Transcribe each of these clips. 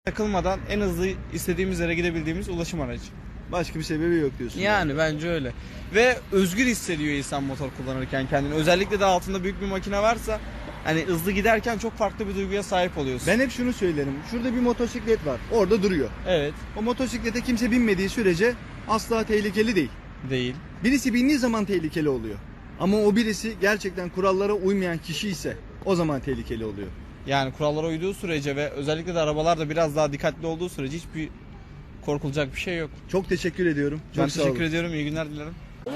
takılmadan en hızlı istediğimiz yere gidebildiğimiz ulaşım aracı. Başka bir sebebi yok diyorsun. Yani bence öyle. Ve özgür hissediyor insan motor kullanırken kendini. Özellikle de altında büyük bir makine varsa hani hızlı giderken çok farklı bir duyguya sahip oluyorsun. Ben hep şunu söylerim. Şurada bir motosiklet var. Orada duruyor. Evet. O motosiklete kimse binmediği sürece asla tehlikeli değil. Değil. Birisi bindiği zaman tehlikeli oluyor. Ama o birisi gerçekten kurallara uymayan kişi ise o zaman tehlikeli oluyor. Yani kurallara uyduğu sürece ve özellikle de arabalar da biraz daha dikkatli olduğu sürece hiçbir korkulacak bir şey yok. Çok teşekkür ediyorum. Çok Ben sağ teşekkür olun. ediyorum. İyi günler dilerim.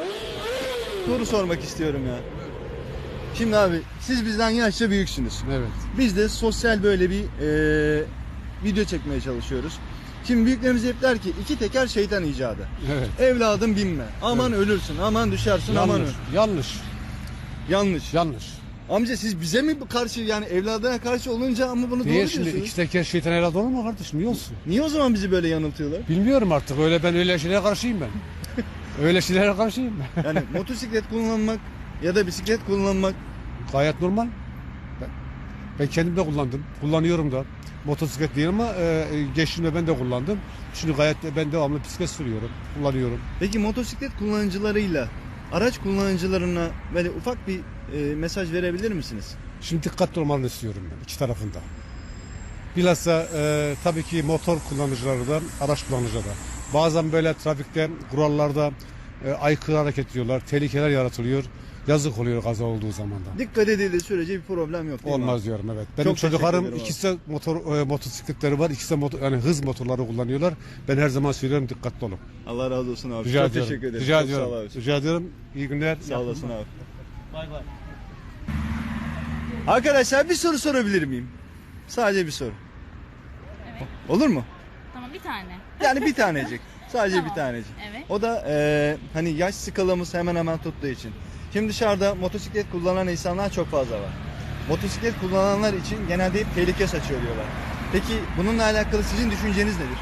Soru sormak istiyorum ya. Şimdi abi siz bizden yaşça büyüksünüz. Evet. Biz de sosyal böyle bir video çekmeye çalışıyoruz. Şimdi büyüklerimiz hep der ki iki teker şeytan icadı. Evet. Evladım binme. Aman ölürsün, aman düşersin, aman öl. Yanlış. Yanlış. Yanlış. Amca siz bize mi karşı yani evladına karşı olunca ama bunu Niye doğru şimdi diyorsunuz? iki teker şeytan evladı olur mu kardeşim? Niye olsun? Niye o zaman bizi böyle yanıltıyorlar? Bilmiyorum artık. Ben öyle şeylere karşıyım ben. Öyle şeylere karşıyım ben. Yani motosiklet kullanmak ya da bisiklet kullanmak Gayet normal. Ben kendim de kullandım. Kullanıyorum da. Motosiklet değil ama geçtiğimde ben de kullandım. Şimdi gayet ben devamlı bisiklet sürüyorum. Kullanıyorum. Peki motosiklet kullanıcılarıyla araç kullanıcılarına böyle ufak bir mesaj verebilir misiniz? Şimdi dikkatli olmalarını istiyorum ben iki tarafında. Bilhassa tabii ki motor kullanıcıları da, araç kullanıcıları da. Bazen böyle trafikte, kurallarda aykırı hareket ediyorlar, tehlikeler yaratılıyor. Yazık oluyor kaza olduğu zaman da. Dikkat edildiği sürece bir problem yok değil mi Olmaz abi? diyorum, evet. Benim Çok teşekkür çocuklarım ederim abi. ikisi de motosikletleri var, ikisi de yani hız motorları kullanıyorlar. Ben her zaman söylüyorum, dikkatli olun. Allah razı olsun abi. Rica Çok ediyorum. teşekkür ederim. Rica Çok sağ ol ediyorum. abi. Rica ediyorum. İyi günler. Sağ olasın abi. Bay bay. Arkadaşlar bir soru sorabilir miyim? Sadece bir soru. Evet. Olur mu? Tamam, bir tane. Yani bir tanecik. Sadece Tamam. bir tanecik. Evet. O da hani yaş skalamız hemen hemen tuttuğu için. Şimdi dışarıda motosiklet kullanan insanlar çok fazla var. Motosiklet kullananlar için genelde hep tehlike saçıyor diyorlar. Peki bununla alakalı sizin düşünceniz nedir?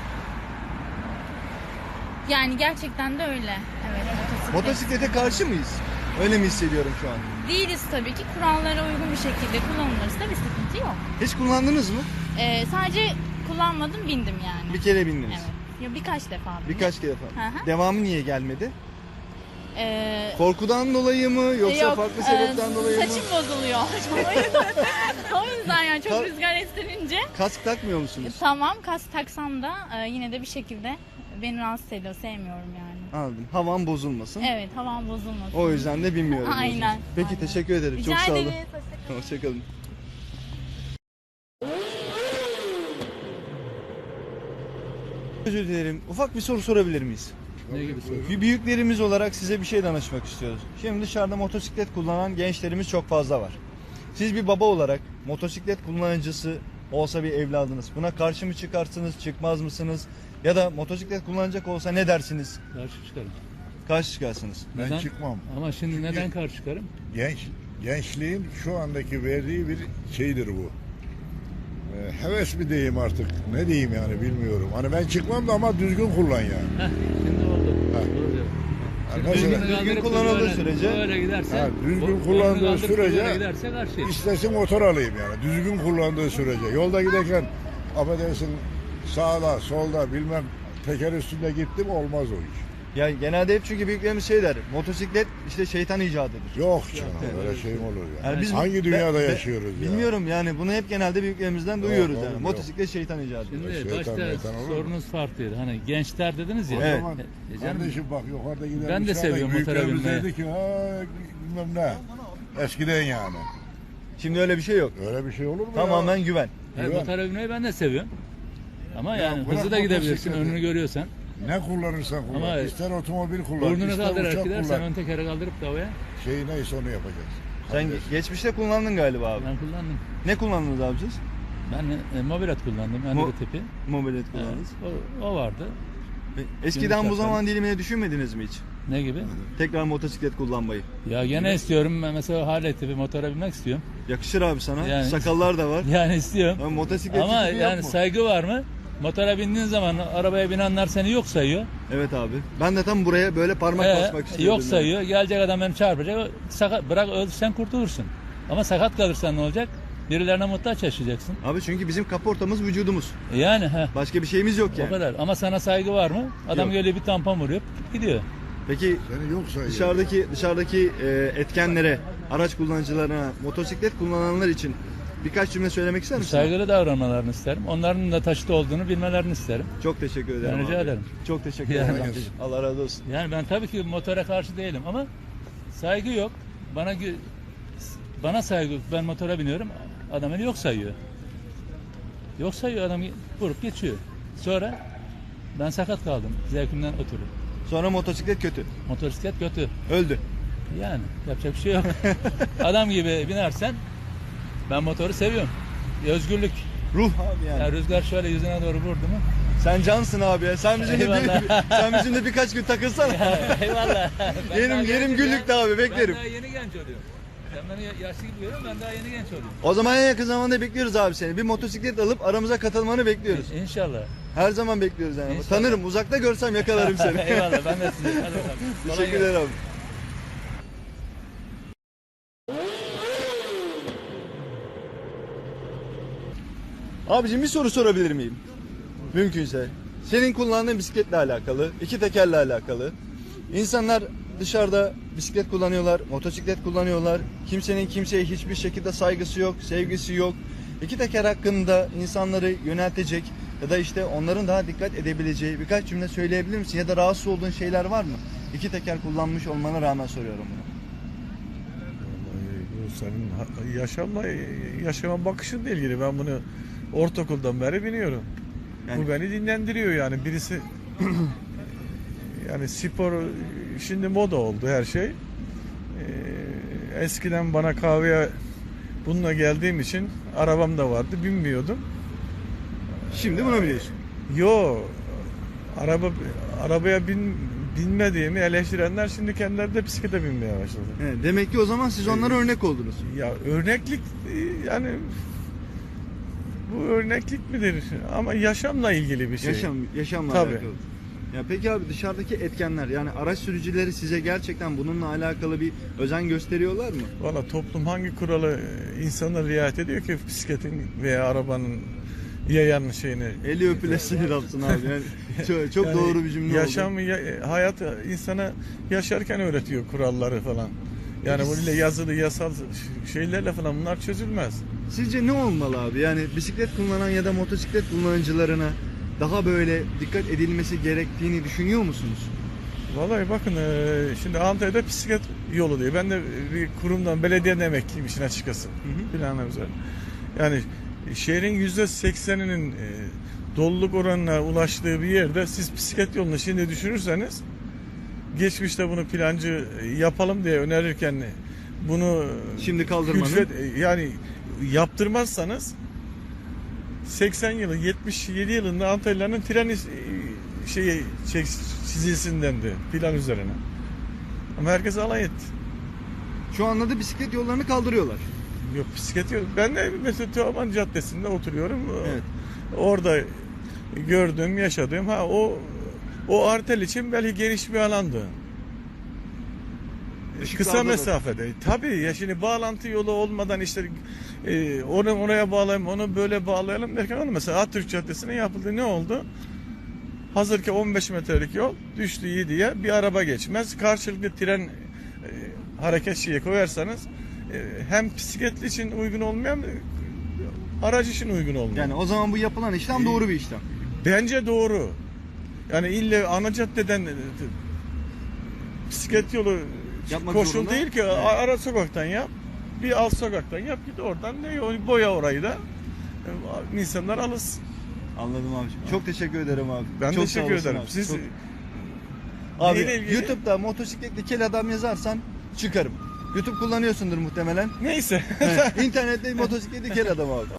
Yani gerçekten de öyle. Evet, motosiklet. Motosiklete karşı mıyız? Öyle mi hissediyorum şu an? Değiliz tabii ki. Kurallara uygun bir şekilde kullanılırsa bir sıkıntı yok. Hiç kullandınız mı? Sadece kullanmadım, bindim yani. Bir kere bindiniz. Evet. Ya birkaç defa bindim. Birkaç kere Hı falan. hı. Devamı niye gelmedi? Ee, Korkudan dolayı mı yoksa yok, farklı sebepten dolayı mı? saçım bozuluyor. o yüzden yani çok Kar- rüzgar estirince. Kask takmıyor musunuz? Tamam, kas taksam da yine de bir şekilde beni rahatsız ediyor. Sevmiyorum yani. Anladım. Havan bozulmasın. Evet, havam bozulmasın. O yüzden de bilmiyorum. Aynen, diyorsunuz. Peki aynen. teşekkür ederim. Rica Çok sağ olun. ederiz. Hoşçakalın. Özür dilerim. Ufak bir soru sorabilir miyiz? Ne gibi soru? Bir büyüklerimiz olarak size bir şey danışmak istiyoruz. Şimdi dışarıda motosiklet kullanan gençlerimiz çok fazla var. Siz bir baba olarak motosiklet kullanıcısı olsa bir evladınız. Buna karşı mı çıkarsınız, çıkmaz mısınız? Ya da motosiklet kullanacak olsa ne dersiniz? Karşı çıkarım. Karşı çıkarsınız. Ben Neden? çıkmam. Ama şimdi neden karşı çıkarım? Gençliğin şu andaki verdiği bir şeydir bu. Heves mi diyeyim artık, ne diyeyim yani bilmiyorum. Hani ben çıkmam da ama düzgün kullan yani. Heh, şimdi oldu. Ha. Doğru diyor. Yani Şimdi mesela düzgün kaldırıp kullanıldığı böyle- sürece- böyle giderse, Ha, düzgün boynunu kullandığı kaldırıp sürece- böyle giderse karşıyız. istesin motor alayım yani. Düzgün kullandığı sürece. Yolda giderken affedersin sağda solda bilmem teker üstünde gittim olmaz o iş. Ya genelde hep çünkü büyüklerimiz şey der. Motosiklet işte şeytan icadıdır. Yok canım öyle şey mi olur ya? Yani biz Hangi dünyada yaşıyoruz ya? Bilmiyorum yani bunu hep genelde büyüklerimizden duyuyoruz oğlum, yani. yok. Motosiklet şeytan icadıdır. Şimdi Şeytan, başta meytan olur mu? sorunuz farklıydı. Hani gençler dediniz ya. O Evet. zaman Canım, kardeşim bak yukarıda gidermişler. Ben de seviyorum motora büyüklerimiz binmeyi. dedi ki bilmem ne. Eskiden yani. Şimdi öyle bir şey yok. Öyle bir şey olur mu Tamamen ya? güven. evet, Güven. motora binmeyi ben de seviyorum. Ama Ya yani bırak hızlı da gidebilirsin, motosikleti. önünü görüyorsan. Ne kullanırsan kullan. Ama ister otomobil kullan, Burnunu ister kaldırarak uçak gidersen kullan. ön tekeri kaldırıp da havaya. Şey neyse onu yapacaksın. Sen geçmişte kullandın galiba abi. Ben kullandım. Ne kullandınız abi siz? Ben mobilet kullandım, Android tipi. Mobilet Evet, kullandınız. o vardı. Eskiden bu Gümüş zaman dilimine düşünmediniz mi hiç? Ne gibi? Tekrar motosiklet kullanmayı. Ya gene istiyorum. Ben mesela Harley tipi motora binmek istiyorum. Yakışır abi sana. Yani- Sakallar da var. Yani istiyorum. Ama motosiklet Ama tipi yani yok mu? saygı var mı? Motora bindiğin zaman arabaya binenler seni yok sayıyor. Evet abi. Ben de tam buraya böyle parmak basmak istiyordum. Yok sayıyor. Gelecek adam beni çarpacak. Sakat, bırak sen kurtulursun. Ama sakat kalırsan ne olacak? Birilerine muhtaç yaşayacaksın. Abi çünkü bizim kaportamız vücudumuz. Yani ha. Başka bir şeyimiz yok O yani. kadar. Ama sana saygı var mı? Adam Yok. geliyor bir tampon vuruyor gidiyor. Peki Seni yok sayıyor. dışarıdaki etkenlere, araç kullanıcılarına, motosiklet kullananlar için birkaç cümle söylemek ister misin? Saygılı davranmalarını isterim. Onların da taşıt olduğunu bilmelerini isterim. Çok teşekkür ederim. Ben rica abi. ederim. Çok teşekkür Yani. ederim. amcacığım. Allah razı olsun. Yani ben tabii ki motora karşı değilim ama saygı yok. Bana saygı yok. Ben motora biniyorum. Adam beni yok sayıyor. Yok sayıyor, adam vurup geçiyor. Sonra ben sakat kaldım. Zevkimden ötürü. Sonra motosiklet kötü. Motosiklet kötü. Öldü. Yani yapacak bir şey yok. Adam gibi binersen ben motoru seviyorum. Özgürlük. Ruh abi yani. Ya rüzgar şöyle yüzüne doğru vurdu mu? Sen cansın abi ya. Sen bizimle, Eyvallah. sen bizimle birkaç gün takılsana. Eyvallah. Ben yerim daha yerim genç güllükte abi, Ben beklerim. daha yeni genç oluyorum. Sen beni yaşlı gibi görüyorsun, ben daha yeni genç oluyorum. O zaman en yakın zamanda bekliyoruz abi seni. Bir motosiklet alıp aramıza katılmanı bekliyoruz. İnşallah. Her zaman bekliyoruz yani. İnşallah. Tanırım, uzakta görsem yakalarım seni. Eyvallah, ben de size. Hadi bakalım. Kolay Teşekkür gelsin. ederim abi. Abicim bir soru sorabilir miyim? Mümkünse. Senin kullandığın bisikletle alakalı, iki tekerle alakalı. İnsanlar dışarıda bisiklet kullanıyorlar, motosiklet kullanıyorlar. Kimsenin kimseye hiçbir şekilde saygısı yok, sevgisi yok. İki teker hakkında insanları yöneltecek ya da işte onların daha dikkat edebileceği birkaç cümle söyleyebilir misin? Ya da rahatsız olduğun şeyler var mı? İki teker kullanmış olmana rağmen soruyorum bunu. Bu senin yaşama bakışınla ilgili. Ben bunu ortaokuldan beri biniyorum. Yani- Bu beni dinlendiriyor yani. Birisi yani spor şimdi moda oldu her şey. Eskiden bana kahveye bununla geldiğim için arabam da vardı, binmiyordum. Şimdi bunu biliyorsun. Yo, arabaya binmediğimi eleştirenler şimdi kendileri de bisiklete binmeye başladı. Evet, demek ki o zaman siz onlara örnek oldunuz. Ya örneklik yani bu örneklik midir? Ama yaşamla ilgili bir şey. Yaşamla Tabii. alakalı. Ya peki abi dışarıdaki etkenler yani araç sürücüleri size gerçekten bununla alakalı bir özen gösteriyorlar mı? Valla toplum hangi kuralı insanlar riayet ediyor ki bisikletin veya arabanın yayan şeyini? Eli öpülesin yapsın abi. Yani çok Yani doğru bir cümle yaşam, oldu. hayat insana yaşarken öğretiyor kuralları falan. Yani böyle yazılı yasal şeylerle falan bunlar çözülmez. Sizce ne olmalı abi? Yani bisiklet kullanan ya da motosiklet kullanıcılarına daha böyle dikkat edilmesi gerektiğini düşünüyor musunuz? Vallahi bakın şimdi Antalya'da bisiklet yolu diyor. Ben de bir kurumdan, belediyeden emekliyim işin açıkçası. Planlar üzerine. Yani şehrin %80'inin doluluk oranına ulaştığı bir yerde siz bisiklet yolunu şimdi düşünürseniz geçmişte bunu plancı yapalım diye önerirken bunu Şimdi kaldırmanın yani yaptırmazsanız 80 yılı 77 yılında Antalya'nın treni çizilsin dendi plan üzerine. Ama herkes alay etti. şu anda da bisiklet yollarını kaldırıyorlar. Yok bisiklet yok. Ben de mesela Teoman Caddesi'nde oturuyorum. Evet. Orada gördüğüm, yaşadığım o artel için belki geniş bir alandı. Kısa Işıklarda da- mesafede. Tabii ya şimdi bağlantı yolu olmadan işte onu oraya bağlayalım, onu böyle bağlayalım derken onu mesela Atatürk Caddesi'ne yapıldı. Ne oldu? Hazır ki 15 metrelik yol düştü 7'ye bir araba geçmez. Karşılıklı tren hareket şeyi koyarsanız hem bisikletli için uygun olmayan aracı için uygun olmuyor. Yani o zaman bu yapılan işlem doğru bir işlem. Bence doğru. Yani ille ana caddeden bisiklet yolu Yapmak koşul zorunda. değil ki. Evet. Ara sokaktan yap. Bir alt sokaktan yap. Git oradan ne boya orayı da insanlar alışsın. Anladım abi. Çok teşekkür ederim abi. Ben Çok sağ teşekkür olasın ederim. abi. Siz Çok- Abi neyle ilgili? YouTube'da motosikletli kel adam yazarsan çıkarım. YouTube kullanıyorsundur muhtemelen. Neyse. İnternette motosikletli kel adam abi.